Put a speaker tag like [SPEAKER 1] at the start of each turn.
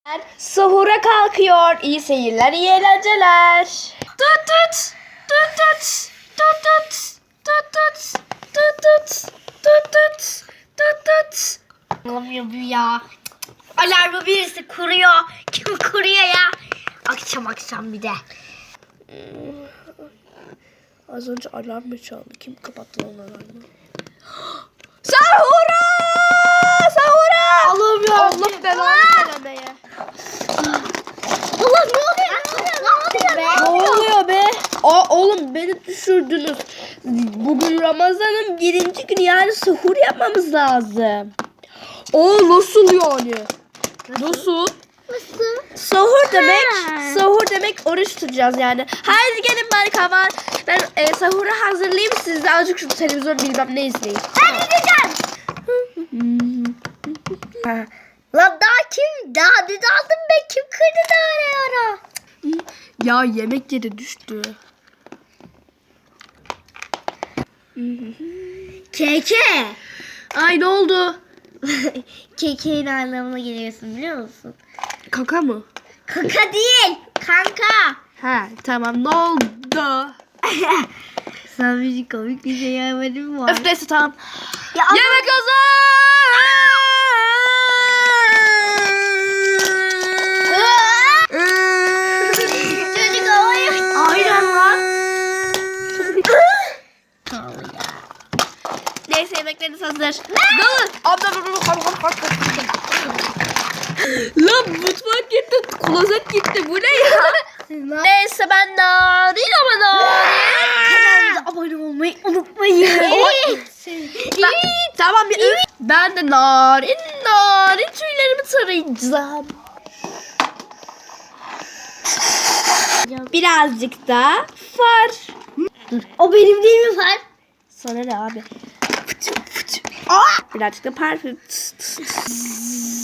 [SPEAKER 1] Sahura kalkıyor. İyi seyirler, iyi eğlenceler. Tut tut. Tut tut. Tut tut. Tut tut. Tut tut. Tut tut. Tut tut.
[SPEAKER 2] Olmuyor bu ya. Alarmı birisi kuruyor. Kim kuruyor ya? Akşam bir de.
[SPEAKER 1] Az önce alarm mı çaldı? Kim kapattı lan alarmı? Sahura! Sahura!
[SPEAKER 2] Allah'ım ya.
[SPEAKER 1] Allah belanı veremeye.
[SPEAKER 2] Allah ne oluyor?
[SPEAKER 1] Ne oluyor be? Oğlum beni düşürdünüz. Bugün Ramazan'ın 1. günü, yani sahur yapmamız lazım. Nasıl yani? Nasıl? Sahur demek, sahur demek oruç tutacağız yani. Haydi gelin bari kahvaltı. Ben sahuru hazırlayayım, siz de azıcık şu televizyon bilmem ne izleyin.
[SPEAKER 2] Ben gideceğim. Lan daha dün aldım ben. Kim kırdı da ara?
[SPEAKER 1] Ya yemek yeri düştü.
[SPEAKER 2] Keke.
[SPEAKER 1] Ay ne oldu?
[SPEAKER 2] Keke'nin anlamına geliyorsun biliyor musun?
[SPEAKER 1] Kaka mı?
[SPEAKER 2] Kaka değil. Kanka.
[SPEAKER 1] Ha tamam, ne oldu?
[SPEAKER 2] Sana bir komik bir şey yapmadım var.
[SPEAKER 1] Öf neyse tamam.
[SPEAKER 2] Ya
[SPEAKER 1] Yemek
[SPEAKER 2] Çocuk havaya.
[SPEAKER 1] Aynen lan. Neyse yemekleriniz hazır. Dalın. Lan mutfak gitti, klozet gitti. Bu ne ya? Neyse ben narin ama narin.
[SPEAKER 2] Kanalımıza abone olmayı unutmayın.
[SPEAKER 1] Tamam bir öf. Ben de narin tüylerimi tarayacağım. Birazcık da far.
[SPEAKER 2] O benim değil mi Far?
[SPEAKER 1] Sana ne abi? Birazcık da parfüm.